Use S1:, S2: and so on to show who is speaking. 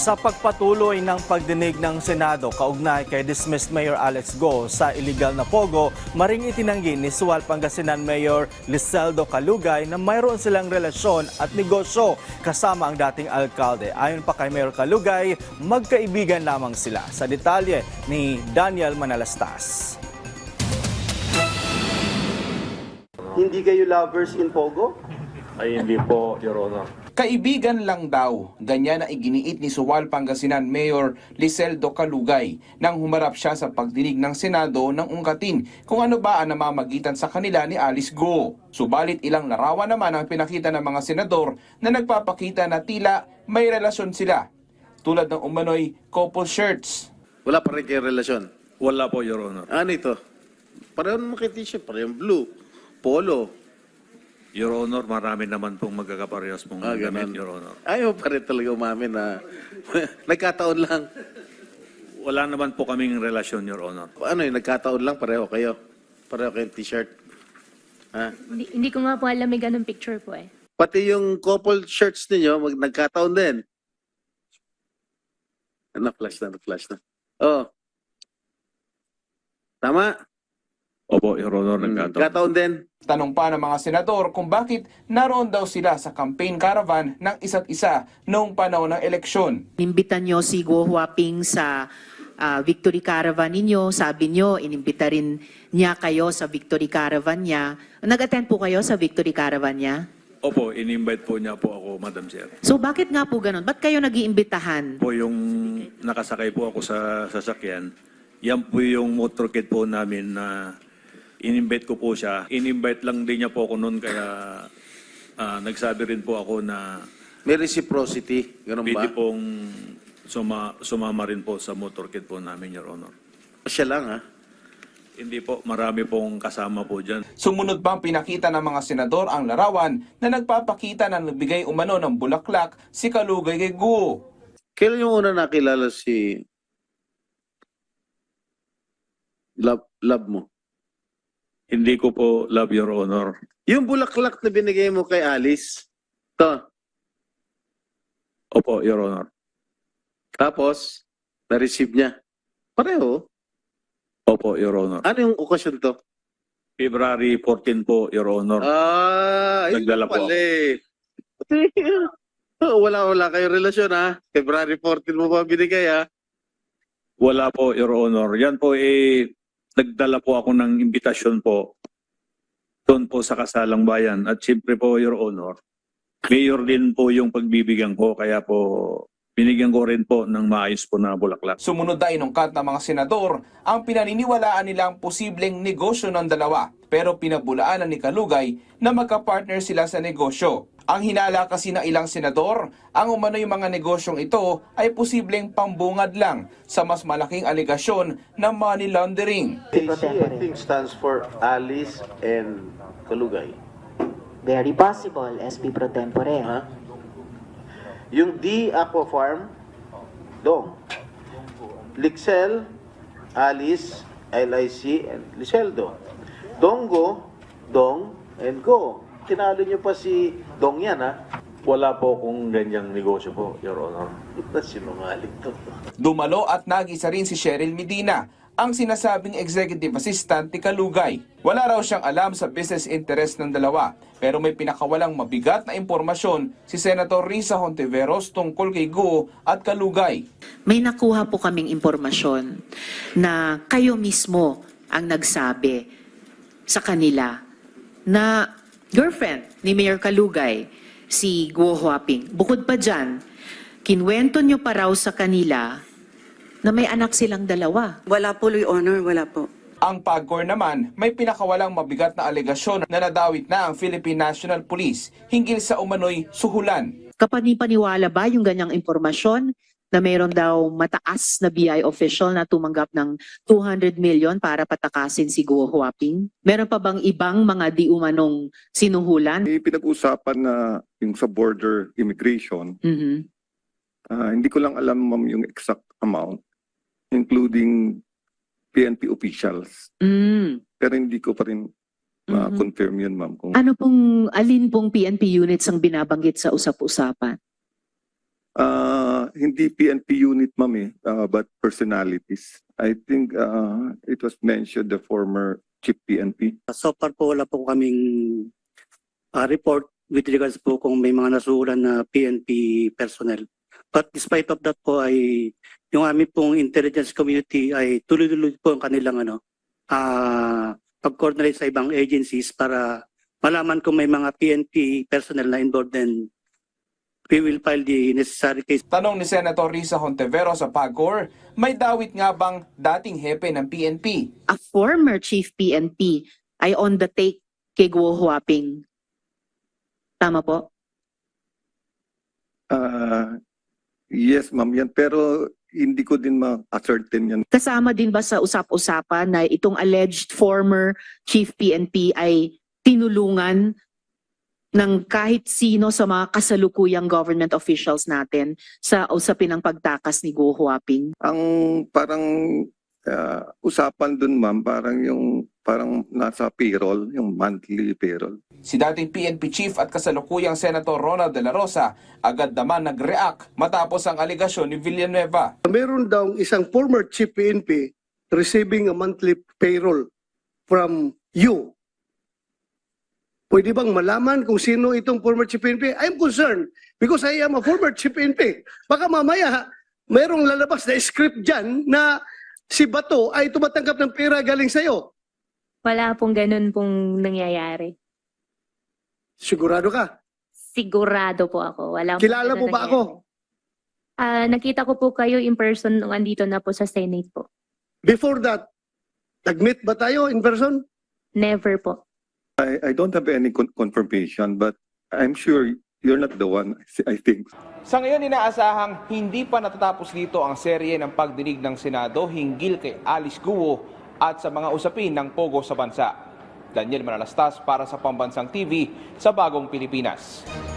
S1: Sa pagpatuloy ng pagdinig ng Senado kaugnay kay dismissed Mayor Alex Go sa illegal na pogo, maring itinanggi ni Sual Pangasinan Mayor Liseldo Calugay na mayroon silang relasyon at negosyo kasama ang dating alkalde. Ayon pa kay Mayor Calugay, magkaibigan lamang sila. Sa detalye ni Daniel Manalastas.
S2: Hindi kayo lovers in Pogo?
S3: Ay hindi po, Your Honor.
S4: Kaibigan lang daw, ganyan ang iginiit ni Sual Pangasinan Mayor Liseldo Calugay nang humarap siya sa pagdinig ng Senado nang ungkatin kung ano ba ang namamagitan sa kanila ni Alice Go. Subalit ilang larawan naman ang pinakita ng mga senador na nagpapakita na tila may relasyon sila, tulad ng umano'y couple shirts.
S2: Wala pa rin kayong relasyon.
S3: Wala po, Your Honor.
S2: Ano ito? Pareho naman kay t-shirt, parehong blue, polo.
S3: Your Honor, marami naman pong magkakaparehas pong gamit, Your Honor.
S2: Ayaw pa rin talaga umamin na nagkataon lang.
S3: Wala naman po kaming relasyon, Your Honor.
S2: Ano yun, nagkataon lang, pareho kayo. Pareho kayong t-shirt. Ha?
S5: Hindi ko nga po alam, may ganun picture po eh.
S2: Pati yung couple shirts ninyo, nagkataon din. Na-flash na. Oh. Tama?
S3: Opo, Your Honor, nagkataon.
S2: Nagkataon din.
S4: Tanong pa ng mga senador kung bakit naroon daw sila sa campaign caravan ng isa't isa noong panahon ng eleksyon.
S6: Inimbitan nyo si Guo Huaping sa Victory Caravan ninyo. Sabi nyo, inimbita rin niya kayo sa Victory Caravan niya. Nag-attend po kayo sa Victory Caravan niya?
S3: Opo, in-invite po niya po ako, Madam Chair.
S6: So bakit nga po ganun? Ba't kayo nag-iimbitahan?
S3: Po yung nakasakay po ako sa sasakyan, yan po yung motorcade po namin na in-invite ko po siya. In-invite lang din niya po ako noon kaya nagsabi rin po ako na
S2: May reciprocity. Ganun ba?
S3: pwede pong sumama rin po sa motorcade po namin, Your Honor.
S2: Siya lang, ha?
S3: Hindi po, marami pong kasama po dyan.
S4: Sumunod pa ang pinakita ng mga senador ang larawan na nagpapakita na nagbigay umano ng bulaklak si Calugay kay Guo.
S2: Kailan yung una nakilala si love mo?
S3: Hindi ko po love, Your Honor.
S2: Yung bulaklak na binigay mo kay Alice, to.
S3: Opo, Your Honor.
S2: Tapos, na-receive niya. Pareho.
S3: Opo, Your Honor.
S2: Ano yung okasyon to?
S3: February 14 po, Your Honor.
S2: Nagdala
S3: Nagdala po
S2: pala eh. Wala kayong relasyon, ha? February 14 mo ba binigay, ha?
S3: Wala po, Your Honor. Yan po nagdala po ako ng imbitasyon po doon po sa Kasalang Bayan. At siyempre po, Your Honor, mayor din po yung pagbibigyan ko. Kaya po, binigyan ko rin po ng maayos po na bulaklak.
S4: Sumunod na inungkat ng mga senador ang pinaniniwalaan nilang posibleng negosyo ng dalawa, pero pinabulaanan ni Calugay na magka-partner sila sa negosyo. Ang hinala kasi ng ilang senador, ang umano'y mga negosyong ito ay posibleng pambungad lang sa mas malaking aligasyon ng money laundering.
S2: I think stands for Alice and Calugay.
S7: Very possible, SP Pro Tempore.
S2: Ha? Yung D Aqua Farm, Dong. Lixel, Alice, LIC, and Liseldo. Dongo, Dong, and Go. Tinalo niyo pa si Dong yan, ha?
S3: Wala po kung ganyang negosyo po, Your Honor.
S2: Sinungaling to.
S4: Dumalo at nag-isa rin si Cheryl Medina, ang sinasabing executive assistant ni Calugay. Wala raw siyang alam sa business interest ng dalawa, pero may pinakawalang mabigat na impormasyon si Senator Risa Hontiveros tungkol kay Guo at Calugay.
S6: May nakuha po kaming impormasyon na kayo mismo ang nagsabi sa kanila na girlfriend ni Mayor Calugay, si Guo Huaping. Bukod pa dyan, kinwento nyo pa raw sa kanila na may anak silang dalawa.
S8: Wala po, Your Honor, wala po.
S4: Ang PAGCOR naman, may pinakawalang mabigat na alegasyon na nadawit na ang Philippine National Police hinggil sa umano'y suhulan.
S6: Kapanipaniwala ba yung ganyang impormasyon na mayroon daw mataas na BI official na tumanggap ng 200 million para patakasin si Guo Huaping? Meron pa bang ibang mga di umanong sinuhulan?
S9: May pinag-usapan na yung sa border immigration.
S6: Mhm.
S9: Hindi ko lang alam, ma'am, yung exact amount, including PNP officials.
S6: Mm.
S9: Pero hindi ko pa rin ma-confirm yun, ma'am. Kung,
S6: Ano pong, alin pong PNP units ang binabanggit sa usap-usapan?
S9: hindi PNP unit, ma'am, but personalities. I think it was mentioned the former chief PNP.
S8: So far po wala po kaming report with regards po kung may mga nasuhulan na PNP personnel. But despite of that po ay yung aming pong intelligence community ay tuloy-tuloy po ang kanilang pag-coordinate sa ibang agencies para malaman kung may mga PNP personnel na involved, then we will file the necessary case.
S4: Tanong ni Senator Risa Hontiveros sa PAGCOR, may dawit nga bang dating hepe ng PNP?
S6: A former chief PNP ay on the take kay Guo Huaping. Tama po?
S9: Yes, ma'am, yan. Pero hindi ko din ma-ascertain yan.
S6: Kasama din ba sa usap-usapan na itong alleged former chief PNP ay tinulungan ng kahit sino sa mga kasalukuyang government officials natin sa usapin ng pagtakas ni Guo Huaping?
S9: Ang parang usapan dun, ma'am, parang nasa payroll, yung monthly payroll.
S4: Si dating PNP chief at kasalukuyang Senator Ronald De La Rosa agad naman nag-react matapos ang aligasyon ni Villanueva.
S10: Meron daw isang former chief PNP receiving a monthly payroll from you. Pwede bang malaman kung sino itong former chief PNP? I'm concerned because I am a former chief PNP. Baka mamaya mayroong lalabas na script dyan na si Bato ay tumatanggap ng pera galing sa'yo.
S5: Wala pong ganun pong nangyayari.
S10: Sigurado ka?
S5: Sigurado po ako. Wala pong
S10: Kilala
S5: ganun
S10: mo ba
S5: nangyayari.
S10: ako?
S5: Nakita ko po kayo in person nung andito na po sa Senate po.
S10: Before that, nag-meet ba tayo in person?
S5: Never po.
S9: I don't have any confirmation, but I'm sure you're not the one, I think.
S4: Sa ngayon, inaasahang hindi pa natatapos dito ang serye ng pagdinig ng Senado hinggil kay Alice Guo at sa mga usapin ng Pogo sa bansa. Daniel Manalastas para sa Pambansang TV sa Bagong Pilipinas.